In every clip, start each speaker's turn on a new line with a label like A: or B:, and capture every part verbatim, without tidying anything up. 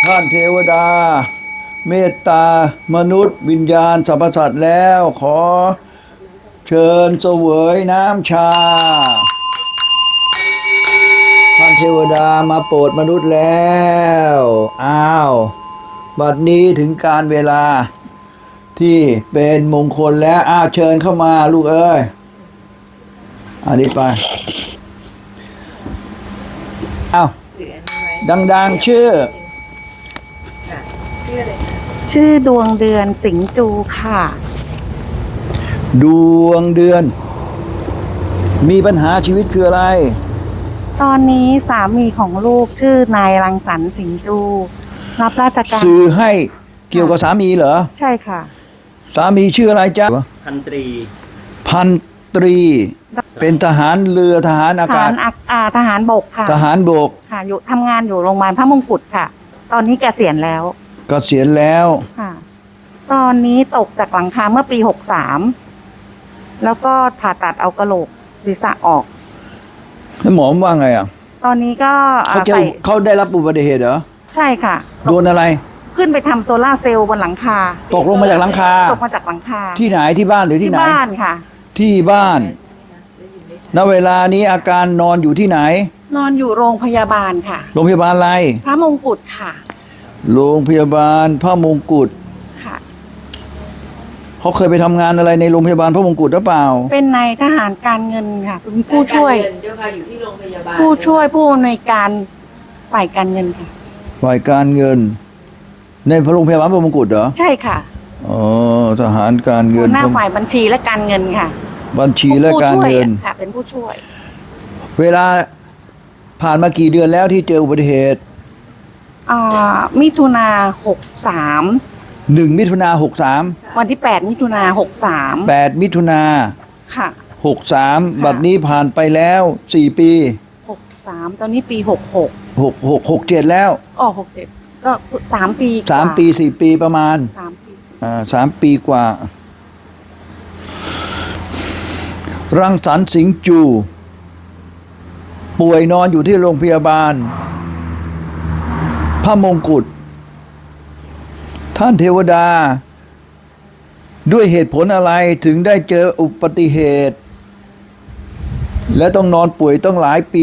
A: ท่านเทวดาเมตตามนุษย์วิญญาณสรรพสัตว์แล้วขอเชิญเสวยน้ำชาท่านเทวดามาโปรดมนุษย์แล้วอ้าวบัดนี้ถึงการเวลาที่เป็นมงคลแล้วอ้าวเชิญเข้ามาลูกเอ้ยอันนี้ไปอ้าวดังๆชื่อ
B: ชื่อดวงเดือนสิงห์จูค่ะ
A: ดวงเดือนมีปัญหาชีวิตคืออะไร
B: ตอนนี้สามีของลูกชื่อนายรังสรรค์สิงห์จูรับราชการ
A: สื่อให้เกี่ยวกับสามีเหรอ
B: ใช่ค่ะ
A: สามีชื่ออะไรจ๊ะ
C: พันตรี
A: พันตรีเป็นทหารเรือทหารอากาศ
B: ทหารบกค่ะ
A: ทหารบก
B: ค่ะอยู่ทำงานอยู่โรงพยาบาลพระมงกุฎค่ะตอนนี้เกษียณแล้ว
A: เกษียณแล้ว
B: ค่ะตอนนี้ตกจากหลังคาเมื่อปีหกสามแล้วก็ผ่าตัดเอากระโหลกศีรษะออก
A: หมอว่าไงอ่ะ
B: ตอนนี้ก็
A: เขาจะเขาได้รับอุบัติเหตุเหรอ
B: ใช่ค่ะ
A: โดนอะไร
B: ขึ้นไปทำโซล่าเซลล์บนหลังคา
A: ตกลงมาจากหลังคา
B: ตกมาจากหลังคา
A: ที่ไหนที่บ้านหรือที่ไหน
B: ที่บ้านค่ะ
A: ที่บ้านณเวลานี้อาการนอนอยู่ที่ไหน
B: นอนอยู่โรงพยาบาลค่ะ
A: โรงพยาบาลอะไร
B: พระมงกุฎค่ะ
A: โรงพยาบาลพระมงกุฎ
B: ค่ะ
A: เขาเคยไปทำงานอะไรในโรงพยาบาลพระมงกุฎหรือเปล่า
B: เป็นนายทหารการเงินค่ะเป็นผู้ช่วย
C: เจ้าค่ะอยู่ที่โรงพยาบาล
B: ผู้ช่วยผู้อำนวยการฝ่ายการเงินค่ะ
A: ฝ่ายการเงินในโรงพยาบาลพระมงกุฎเหรอ
B: ใช่ค่ะ
A: อ๋อทหารการเงิน
B: หน้าฝ่ายบัญชีและการเงินค่ะ
A: บัญชีและการเงิน
B: ค่ะเป็นผู้ช่วย
A: เวลาผ่านมากี่เดือนแล้วที่เจออุบัติเหตุ
B: อ่ามิถุนาหกสาม
A: หนึ่งมิถุนาหกสาม
B: วันที่แปดมิถุนาหกสาม
A: แปดมิถุนา
B: ค่ะ
A: หกสามบัดนี้ผ่านไปแล้วสี่ปี
B: หกสามตอนนี้ปีหกหก
A: หกหกหกเจ็ดแล้ว
B: อ๋อหกเจ็ดก็สามปี
A: สามปีสี่ปีประมาณ
B: สามปี
A: อ่าสามปีกว่ารังสรรค์สิงห์จูป่วยนอนอยู่ที่โรงพยาบาลพระมงกุฎท่านเทวดาด้วยเหตุผลอะไรถึงได้เจออุบัติเหตุและต้องนอนป่วยต้องหลายปี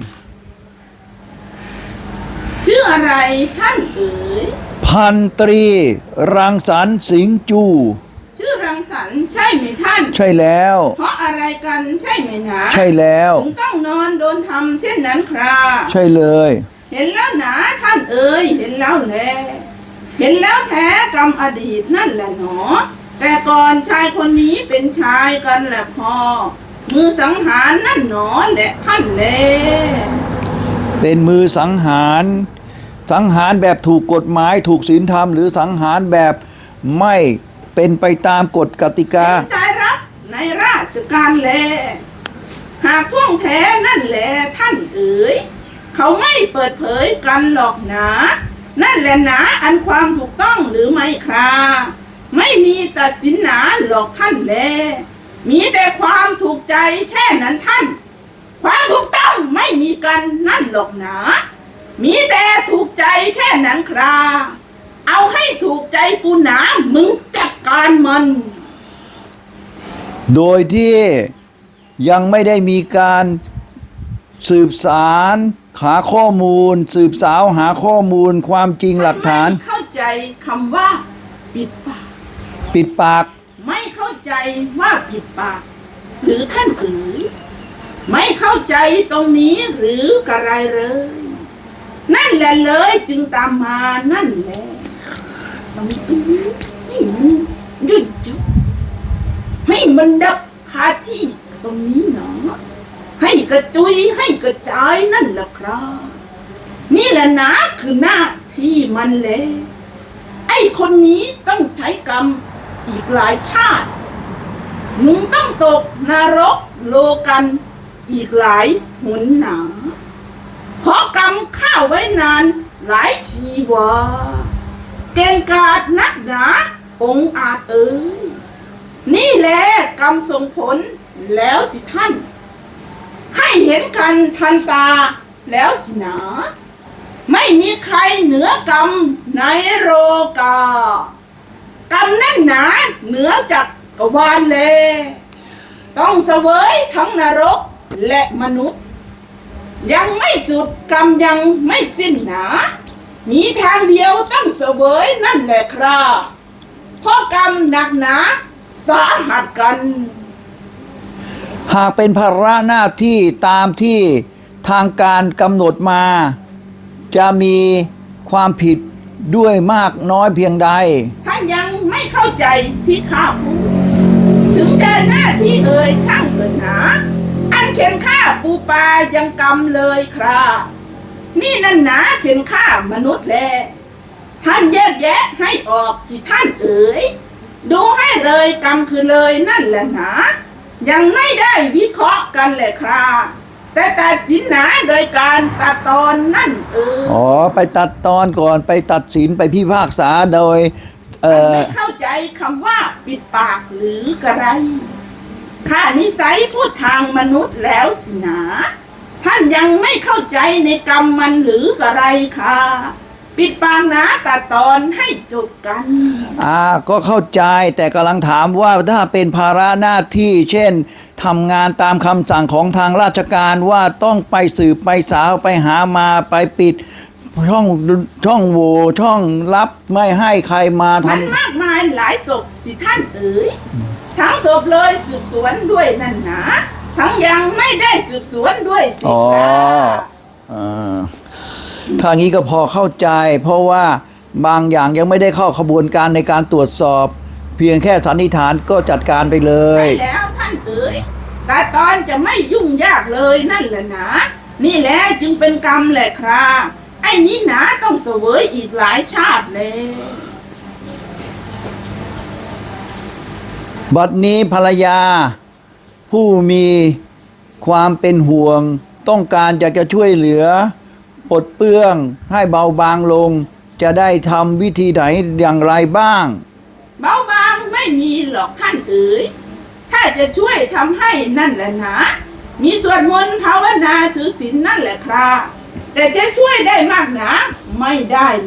D: ชื่ออะไรท่านเอ๋ย
A: พันตรีรังสรรค์สิงห์จู
D: ชื่อรังสรรค์ใช่ไหมท่าน
A: ใช่แล้ว
D: เพราะอะไรกันใช่ไหมนะ
A: ใช่แล้ว
D: ถึงต้องนอนโดนทำเช่นนั้นครับ
A: ใช่เลย
D: เห็นแล้วนะท่านเอ๋ยเห็นแล้วแลเห็นแล้วแท้กรรมอดีตนั่นแหละหนอแต่ก่อนชายคนนี้เป็นชายกันแหละพอมือสังหารนั่นหนอแหละท่านแล
A: เป็นมือสังหารสังหารแบบถูกกฎหมายถูกศีลธรรมหรือสังหารแบบไม่เป็นไปตามกฎกติกา
D: เป็นสายรับในราชการแลหากท่วงแท้นั่นแหละท่านเอ๋ยเขาไม่เปิดเผยกันหรอกหนานั่นแหละหนาอันความถูกต้องหรือไม่คราไม่มีตัดสินหนาหรอกท่านแลมีแต่ความถูกใจแค่นั้นท่านความถูกต้องไม่มีกันนั่นหรอกหนามีแต่ถูกใจแค่นั้นคราเอาให้ถูกใจกูหนามึงจัดการมัน
A: โดยที่ยังไม่ได้มีการสืบสารหาข้อมูลสืบสาวหาข้อมูลความจริงหลักฐาน
D: ไม่เข้าใจคำว่าปิดปาก
A: ปิดปาก
D: ไม่เข้าใจว่าปิดปากหรือท่านเอ๋ยไม่เข้าใจตรงนี้หรือกระไรเลยนั่นแหละเลยจึงตามมานั่นแหละสังตูให้มันยุดยุดให้มันดับคาที่ตรงนี้หนอให้กระจุยให้กระจายนั่นแหละครับนี่แหละนะคือหน้าที่มันแหละไอ้คนนี้ต้องใช้กรรมอีกหลายชาติมึงต้องตกนรกโลกันอีกหลายหนหนาเพราะกรรมข้าไว้นานหลายชีวาเก่งกาจนักหนาองค์อาจเอ๋ยนี่แหละกรรมส่งผลแล้วสิท่านให้เห็นกันทันตาแล้วสินะไม่มีใครเหนือกรรมในโลกากรรมนั่นหนาเหนือจากกวาลเลย ต้องเสวยทั้งนรกและมนุษย์ ยังไม่สุดกรรมยังไม่สิ้นหนามีทางเดียวต้องเสวยนั่นแหละครับเพราะกรรมหนักหนาสาหัสกัน
A: หากเป็นภาระหน้าที่ตามที่ทางการกำหนดมา จะมีความผิดด้วยมากน้อยเพียงใด
D: ท่านยังไม่เข้าใจที่ข้าพูดถึงจะหน้าที่เอ่ยช่างเถิดหนาอันเขียนฆ่าปูปลายังกรรมเลยครับนี่นั่นหนาเขียนฆ่ามนุษย์แลท่านแยกแยะให้ออกสิท่านเอ๋ยดูให้เลยกรรมคือเลยนั่นแหละหนายังไม่ได้วิเคราะห์กันแหละครับแต่ตัดสินหนาโดยการตัดตอนนั่นเอ๋ย
A: อ๋อ ไปตัดตอนก่อนไปตัดสินไปพิพากษาโดย เอ่อ
D: ไม่เข้าใจคำว่าปิดปากหรือกระไรข้านิสัยพูดทางมนุษย์แล้วสินะท่านยังไม่เข้าใจในกรรมมันหรือกระไรค่ะปิดปากนะตัดตอนให้จบกัน
A: อ่าก็เข้าใจแต่กำลังถามว่าถ้าเป็นภาระหน้าที่ เช่นทำงานตามคำสั่งของทางราชการว่าต้องไปสืบไปสาวไปหามาไปปิดช่องช่องโหว่ช่องลับไม่ให้ใครมาท
D: มันมากมายหลายศพสิท่านเอ๋ยทั้งศพเลยสืบสวนด้วยนั่นหนาทั้งยังไม่ได้สืบสวนด้วยสิ
A: ำอ๋อ
D: ค่ะ
A: อ่าทางนี้ก็พอเข้าใจ เพราะว่าบางอย่างยังไม่ได้เข้าขบวนการในการตรวจสอบ เพียงแค่สันนิษฐานก็จัดการไปเลย
D: ใช่แล้วท่านเอ๋ยแต่ตอนจะไม่ยุ่งยากเลยนั่นแหละนะนี่แหละจึงเป็นกรรมแหละครับไอ้นี้หนาต้องเสวยอีกหลายชาติเลย
A: บัดนี้ภรรยา ผู้มีความเป็นห่วง ต้องการอยากจะช่วยเหลือปลดเปลื้องให้เบาบางลง จะได้ทำวิธีไหนอย่างไรบ้าง
D: เบาบางไม่มีหรอกท่านเอ๋ยถ้าจะช่วยทำให้นั่นแหละนะมีสวดมนต์ภาวนาถือศีลนั่นแหละครับแต่จะช่วยได้มากหนาไม่ได้เลย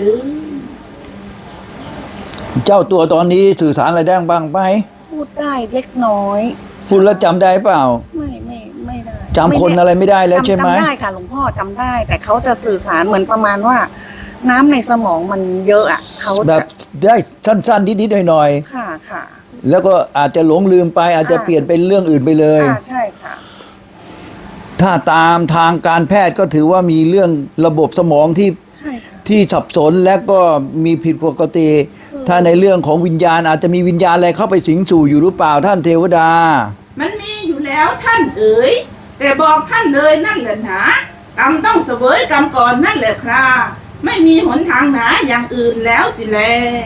A: เจ้าตัวตอนนี้สื่อสารอะไรได้บ้างไหม
B: พูดได้เล็กน้อย
A: พูดแล้วจำได้เปล่า
B: ไม่ไม่ไม่ได้
A: จำคนอะไรไม่ได้แล้วใช่ไหม
B: จำได้ค่ะหลวงพ่อจำได้ แต่เขาจะสื่อสารเหมือนประมาณว่า น้ำในสมองมันเยอะอ่ะเขา
A: แบ
B: จะ
A: บได้สั้นๆนิดๆหน่อย
B: ค่ะค่ะ
A: ๆแล้วก็อาจจะหลงลืมไป อาจจะ
B: ค่ะ
A: เปลี่ยนเป็นเรื่องอื่นไปเลย
B: ค่ะใช่ค่ะ
A: ถ้าตามทางการแพทย์ก็ถือว่ามีเรื่องระบบสมองที่
B: ใช่ค่ะ
A: ที่สับสนและก็มีผิดปกติ
B: อืม
A: ถ้าในเรื่องของวิญญาณอาจจะมีวิญญาณอะไรเข้าไปสิงสู่อยู่หรือเปล่าท่านเทวดา
D: มันมีอยู่แล้วท่านเอ๋ยแต่บอกท่านเลยนั่นแหละนะกรรมต้องเสวยกรรมก่อนนั่นแหละครับไม่มีหนทางหนาอย่างอื่นแล้วสิแล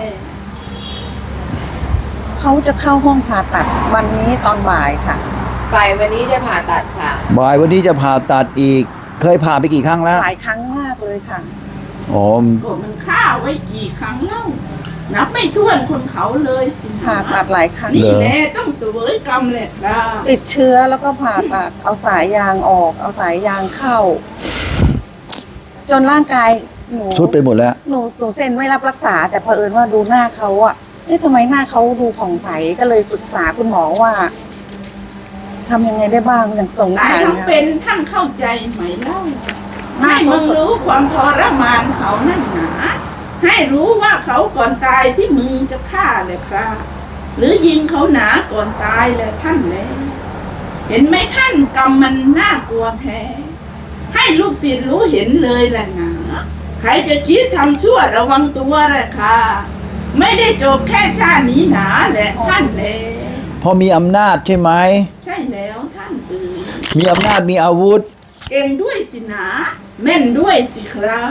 B: เขาจะเข้าห้องผ่าตัดวันนี้ตอนบ่ายค่ะ
C: ฝ่ายวันนี้จะผ่าตัดค่ะ
A: บ่ายวันนี้จะผ่าตัดอีก เคยผ่าไปกี่ครั้งแล้ว
B: หลายครั้งมากเลยค่ะ
A: อ๋อ
D: ก็มันฆ่าไว้กี่ครั้งเล่านับไม่ถ้วนคนเขาเลยสินะ
B: ผ่าตัดหลายครั้ง
D: นี่แหละต้องเสวยกรรมแหละครับ
B: ติดเชื้อแล้วก็ผ่าตัดเอาสายยางออก เอาสายยางเข้า จนร่างกายหนู
A: สุดไปหมดแล้ว
B: หนูหนูเซ็นไว้รับรักษา แต่เผอิญว่าดูหน้าเขาอะเอ๊ะทำไมหน้าเขาดูผ่องใสก็เลยปรึกษาคุณหมอว่าทำยังไงได้บ้างอย่างสง
D: ตาย
B: สาร
D: ทั้ง
B: นะ
D: เป็นท่านเข้าใจไหมเล่า
B: หน้า
D: ให้
B: เขา
D: มึงรู้ความทรมานเขานั่นหนาให้รู้ว่าเขาก่อนตายที่มึงจะฆ่าเลยครับหรือยิงเขาหนาก่อนตายเลยท่านเลยเห็นไหมท่านกรรมมันน่ากลัวแท้ให้ลูกศิษย์รู้เห็นเลยแหละหนาใครจะคิดทำชั่วระวังตัวแหละค่ะไม่ได้จบแค่ชาตินี้หนาแหละท่านเลย
A: พอมีอำนาจใช่ไหม
D: ใช่แล้วท่านเอ๋ย
A: มีอำนาจมีอาวุธ
D: เก่งด้วยสินะแม่นด้วยสิครับ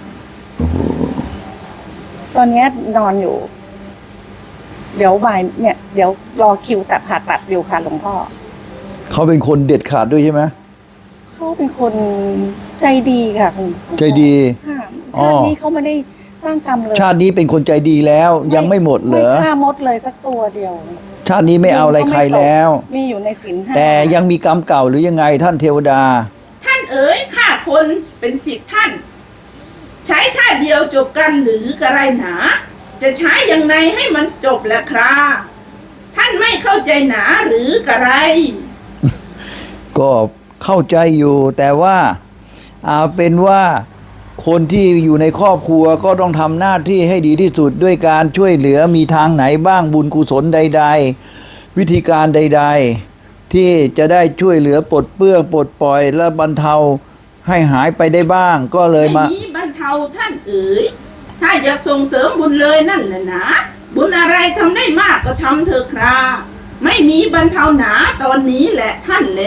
B: ตอนเนี้ยนอนอยู่ เดี๋ยวบ่ายเนี่ย เดี๋ยวรอคิวตัดผ่าตัดอยู่ค่ะหลวงพ่อ
A: เขาเป็นคนเด็ดขาดด้วยใช่ไหม
B: เขาเป็นคนใจดีค่ะคุณพ่อ
A: ใจดี
B: ค่ะ
A: อ๋อ
B: ชาตินี้เขาไม่ได้สร้างกรรมเลย
A: ชาตินี้เป็นคนใจดีแล้วยังไม่หมดเหรอ
B: ไม่ฆ่ามดเลยสักตัวเดียว
A: ชาตินี้ไม่เอาอะไรใครแล้ว
B: มีอยู่ในศีลห้า
A: แต่ยังมีกรรมเก่าหรือยังไงท่านเทวดา
D: ท่านเอ๋ยข้าคนเป็นสิทธิ์ท่านใช้ชาติเดียวจบกันหรือกระไรหนา จะใช้อย่างไรให้มันจบละครับท่านไม่เข้าใจหนาหรือกระไร
A: ก็เข้าใจอยู่แต่ว่าเอาเป็นว่าคนที่อยู่ในครอบครัวก็ต้องทำหน้าที่ให้ดีที่สุดด้วยการช่วยเหลือมีทางไหนบ้างบุญกุศลใดๆวิธีการใดๆที่จะได้ช่วยเหลือปลดเปลื้องปลดปล่อยและบรรเทาให้หายไปได้บ้างก็เลยมา
D: ไม่มีบรรเทาท่านเอ๋ยถ้าอยากส่งเสริมบุญเลยนั่นแหละนะบุญอะไรทำได้มากก็ทำเถอะครับไม่มีบรรเทาหนาตอนนี้แหละท่านแล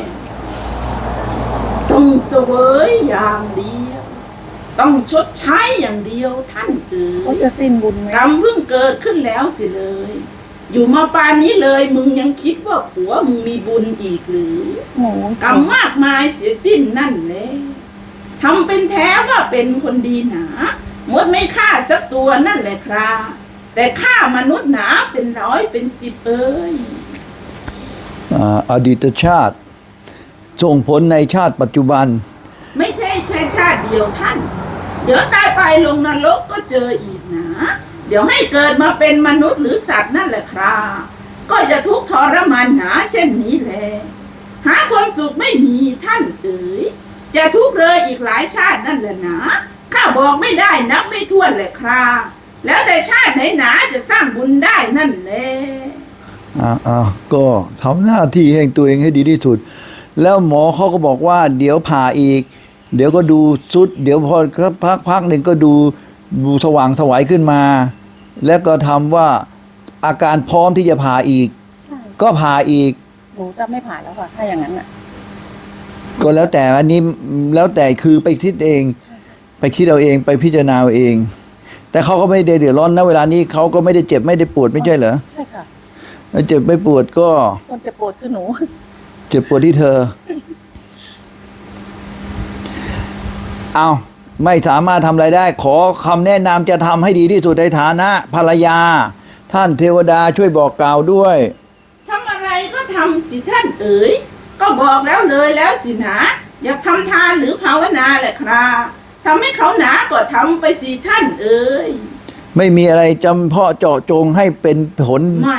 D: ต้องเสวยอย่างเดียวต้องชดใช้อย่างเดียวท่านเอ๋
B: เขา
D: ย
B: จะสิ้นบุญไหม
D: กรรมเพิ่งเกิดขึ้นแล้วสิเลย อยู่มาปานนี้เลยมึงยังคิดว่าผัวมึงมีบุญอีกหรือ
B: หนู
D: กรรมมากมายเสียสิ้นนั่นแหละทำเป็นแท้ว่าเป็นคนดีหนาหมดไม่ฆ่าสักตัวนั่นแหละครับแต่ฆ่ามนุษย์หนาเป็นร้อยเป็นสิบเอ้ย
A: อ่าอดีตชาติส่งผลในชาติปัจจุบัน
D: ไม่ใช่แค่ชาติเดียวท่าน เดี๋ยวตายไปลงนรกก็เจออีกนะเดี๋ยวให้เกิดมาเป็นมนุษย์หรือสัตว์นั่นแหละครับก็จะทุกข์ทรมานหนาเช่นนี้แหละหาความสุขไม่มีท่านเอ๋ยจะทุกข์เลยอีกหลายชาตินั่นแหละนะข้าบอกไม่ได้นับไม่ถ้วนเลยครับแล้วแต่ชาติไหนหนาจะสร้างบุญได้นั่นแหละ
A: อ่าอ่าก็ทำหน้าที่ให้ตัวเองให้ดีที่สุด แล้วหมอเขาก็บอกว่าเดี๋ยวผ่าอีก เดี๋ยวก็ดูสุด เดี๋ยวพอพักพักหนึ่งก็ดูดูสว่างสวัยขึ้นมา แล้วก็ทำว่าอาการพร้อมที่จะผ่าอีก
B: ใช่
A: ก็ผ่าอีก
B: หนูจะไม่ผ่านแล้วค่ะถ้าอย่างนั้นอ่ะ
A: ก็แล้วแต่อันนี้แล้วแต่คือไปคิดเอง ไปคิดเอาเองไปพิจารณาเอาเอง แต่เขาก็ไม่ได้เดือดร้อนนะเวลานี้เขาก็ไม่ได้เจ็บไม่ได้ปวดไม่ใช่เหรอ
B: ใช่ค่ะ
A: ไม่เจ็บไม่ปวดก็
B: คนจะปวดคือหนู
A: เจ็บปวดที่เธอ เอาไม่สามารถทำอะไรได้ ขอคำแนะนำจะทำให้ดีที่สุดในฐานะภรรยา ท่านเทวดาช่วยบอกกล่าวด้วย
D: ทำอะไรก็ทำสิท่านเอ๋ยก็บอกแล้วเลยแล้วสินะอยากทำทานหรือภาวนาแหละครับทำให้เขาหนาก็ทำไปสิท่านเอ๋ย
A: ไม่มีอะไรจำเพาะเจาะจงให้เป็นผล
D: ไม่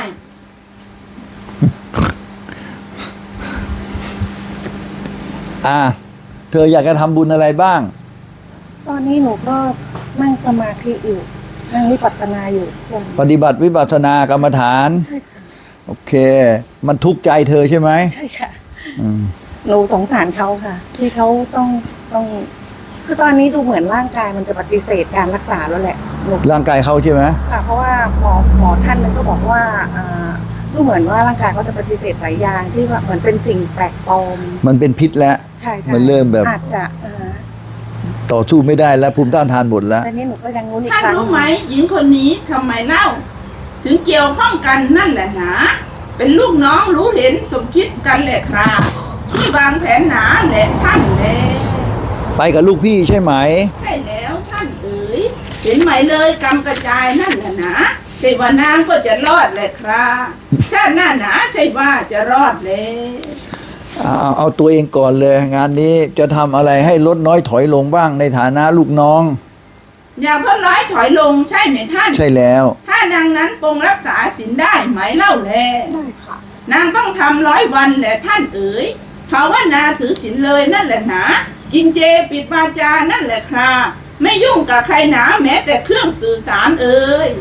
A: อ่า เธออยากจะทำบุญอะไรบ้าง
B: ตอนนี้หนูก็นั่งสมาธิอยู่นั่งวิปัสสนาอยู่ทุกวัน
A: ปฏิบัติวิปัสสนากรรมฐาน
B: ใช่ค่ะ
A: โอเค มันทุกข์ใจเธอใช่ไหม
B: ใช่ค่ะ
A: อืม
B: หนูสงสารเขาค่ะ ที่เขาต้องต้อง คือตอนนี้ดูเหมือนร่างกายมันจะปฏิเสธการรักษาแล้วแหละหนู
A: ร่างกายเขาใช่ไหม
B: ค่ะ เพราะว่าหมอหมอท่านนึงก็บอกว่าอ่าดูเหมือนว่าร่างกายเขาจะปฏิเสธสายยางที่ว่าเหมือนเป็นสิ่งแปลกปลอม
A: มันเป็นพิษแล้ว
B: ใช่ใช่
A: มันเริ่มแบบ
B: อาจจะอ่า
A: ต่อสู้ไม่ได้แล้วภูมิต้านทานหมดแล้ว
B: แต่นี้หนูก็ยังรู้นอีก
D: ท่าน
B: ครั้ง
D: รู้ไหมหญิงคนนี้ทำไมเล่า ถึงเกี่ยวข้องกันนั่นแหละหนาเป็นลูกน้องรู้เห็นสมคิดกันแหละครับที่วางแผนหนาแหละท่านแล
A: ไปกับลูกพี่ใช่ไหม
D: ใช่แล้วท่านเอ๋ยเห็นไหมเลยกำกระจายนั่นแหละนะใช่ว่านางก็จะรอดแหละครับชาติหน้าหนาใช่ว่าจะรอดเลย
A: เอาเอาเอาตัวเองก่อนเลย งานนี้จะทำอะไรให้ลดน้อยถอยลงบ้างในฐานะลูกน้อง
D: อย่าเพิ่งร้อยถอยลงใช่ไหมท่าน
A: ใช่แล้ว
D: ถ้านางนั้นปรงรักษาศีลได้ไหมเล่าแล
B: ได้ค่ะ
D: นางต้องทำร้อยวันแหละท่านเอ๋ยภาวนาถือศีลเลยนั่นแหละหนากินเจปิดวาจานั่นแหละครับไม่ยุ่งกับใครหนาแม้แต่เครื่องสื่อสารเอ๋ย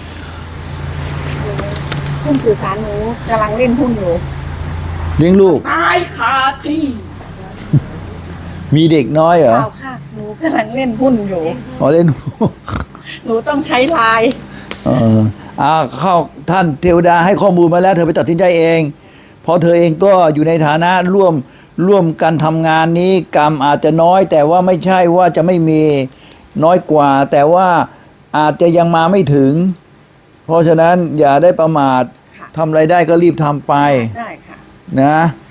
B: ซึ่งสื่อสารหนูกำลังเล่นหุ้นอยู่
A: เลี้ยงลูก
D: ตายคาที่
A: มีเด็กน้อยเหรอ
B: เปล่าค่ะ หนูกำลังเล่นหุ้นอยู่
A: อ๋อเล่น
B: หนูต้องใช้ไลน์
A: เอออ่าเข้าท่านเทวดาให้ข้อมูลมาแล้ว เธอไปตัดสินใจเองเพราะเธอเองก็อยู่ในฐานะร่วมร่วมกันทำงานนี้กรรมอาจจะน้อย แต่ว่าไม่ใช่ว่าจะไม่มีน้อยกว่า แต่ว่าอาจจะยังมาไม่ถึง เพราะฉะนั้นอย่าได้ประมาททำอะไรได้ก็รีบทำไป
B: ได้ค่ะ
A: นะ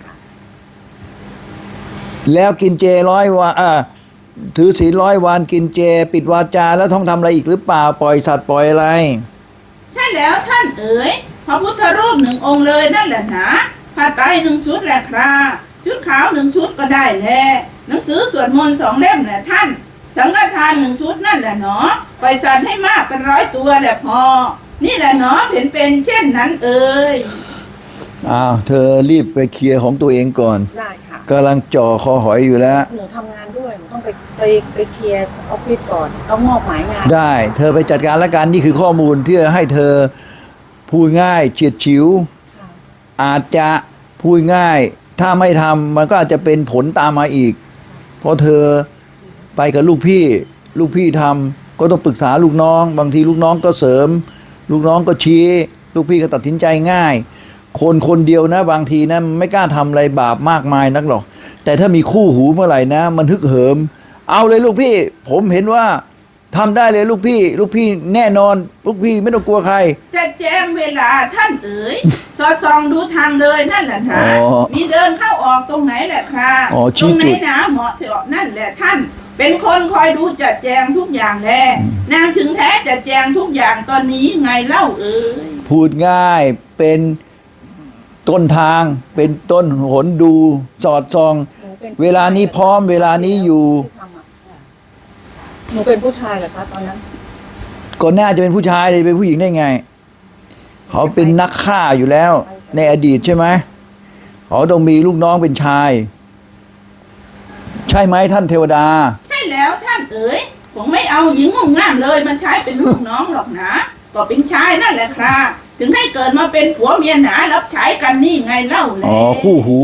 A: แล้วกินเจร้อยวันอ่าถือศีลร้อยวันกินเจ ปิดวาจาแล้วต้องทำอะไรอีกหรือเปล่าปล่อยสัตว์ปล่อยอะไร
D: ใช่แล้วท่านเอ๋ยพระพุทธรูปหนึ่งองค์เลยนั่นแหละนะผ้าไตรหนึ่งชุดแหละครับชุดขาวหนึ่งชุดก็ได้แหละหนังสือสวดมนต์สองเล่มแหละท่านสังฆทานหนึ่งชุดนั่นแหละเนาะปล่อยสัตว์ให้มากเป็นร้อยตัวแหละพอนี่แหละเนาะเห็นเป็นเช่นนั้นเอ่ย
A: อ้าวเธอรีบไปเคลียร์ของตัวเองก่อน
B: ได้ค่ะ
A: กำลังจ่อคอหอยอยู่แล้ว
B: หนูทำงานด้วยหนูต้องไปไปไปเคลียร์ออฟฟิศก่อนแล้วมอบหมายงาน
A: ได้ เธอไปจัดการแล้วกันนี่คือข้อมูลที่จะให้เธอพูดง่ายเฉียดฉิว
B: ค่ะ
A: อาจจะพูดง่าย ถ้าไม่ทำมันก็อาจจะเป็นผลตามมาอีก เพราะเธอไปกับลูกพี่ ลูกพี่ทำก็ต้องปรึกษาลูกน้อง บางทีลูกน้องก็เสริม ลูกน้องก็ชี้ ลูกพี่ก็ตัดสินใจง่าย คนคนเดียวนะบางทีนะไม่กล้าทำอะไรบาปมากมายนักหรอก แต่ถ้ามีคู่หูเมื่อไหร่นะ มันฮึกเหิม เอาเลยลูกพี่ ผมเห็นว่าทำได้เลยลูกพี่ ลูกพี่แน่นอน ลูกพี่ไม่ต้องกลัวใคร
D: จะแจ้งเวลาท่านเอ๋ย สอดส่องดูทางเลยนั่นแหละนะ
A: อ๋อ
D: มีเดินเข้าออกตรงไหนแหละค่ะ
A: อ๋อ
D: ต
A: ชี้
D: รงไหน
A: จุด
D: หนาเหมาะเถอะนั่นแหละท่าน เป็นคนคอยดูจัดแจงทุกอย่างแลนางถึงแท้จัดแจงทุกอย่างตอนนี้ไงเล่าเอ๋ย
A: พูดง่ายเป็นต้นทางเป็นต้นหนดูสอดส่อง
B: หนูเป็น
A: เวลานี้พร้อมเวลานี้อยู่
B: ที่ทำอะหนูเป็นผู้ชายเหรอคะตอนนั้น
A: ก่อนหน้าจะเป็นผู้ชายเลยเป็นผู้หญิงได้ไง เขาเป็นนักฆ่าอยู่แล้ว ในอดีตใช่ไหมเขาต้องมีลูกน้องเป็นชาย ใช่ไหมท่านเทวดา
D: ใช่แล้วท่านเอ๋ยผมไม่เอาหญิงงงงามเลยมันใช้เป็นลูกน้องหรอกนะ ก็เป็นชายนั่นแหละครับถึงให้เกิดมาเป็นผัวเมียหนารับใช้กันนี่ไงเล่าแล
A: อ๋อคู่หู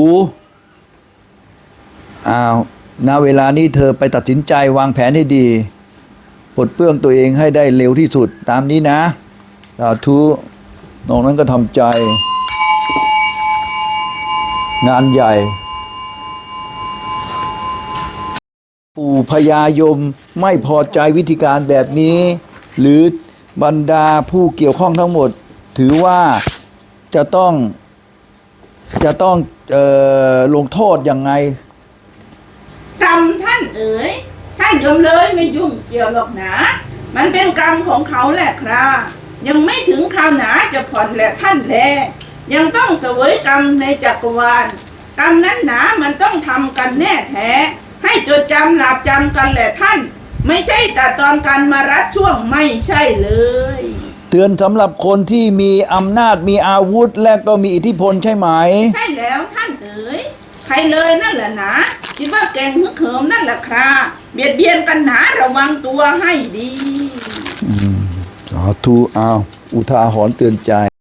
A: อ้าวณเวลานี้เธอไปตัดสินใจวางแผนให้ดีปลดเปลื้องตัวเองให้ได้เร็วที่สุดตามนี้นะสาธุนอกนั้นก็ทำใจ งานใหญ่ ปู่พญายมไม่พอใจวิธีการแบบนี้ หรือบรรดาผู้เกี่ยวข้องทั้งหมด ถือว่าจะต้องจะต้องเออลงโทษยังไง
D: กรรมท่านเอ๋ยท่านยมเลยไม่ยุ่งเกี่ยวหรอกนะ มันเป็นกรรมของเขาแหละครับยังไม่ถึงคราวหนาจะผ่อนแหละท่านแลยังต้องเสวยกรรมในจักรวาลกรรมนั้นหนามันต้องทำกันแน่แท้ ให้จดจำหลับจำกันแหละท่าน ไม่ใช่แต่ตอนกันมารัดช่วงไม่ใช่เลย
A: เตือนสำหรับคนที่มีอำนาจมีอาวุธ และก็มีอิทธิพลใช่ไหม
D: ใช่แล้วท่านเอ๋ยใครเลยนั่นแหละนะคิดว่าแกงฮึกเหิมนั่นแหละครับเบียดเบียนกันหนาระวังตัวให้ดี
A: สาธุอ้าวอุทาหรณ์เตือนใจ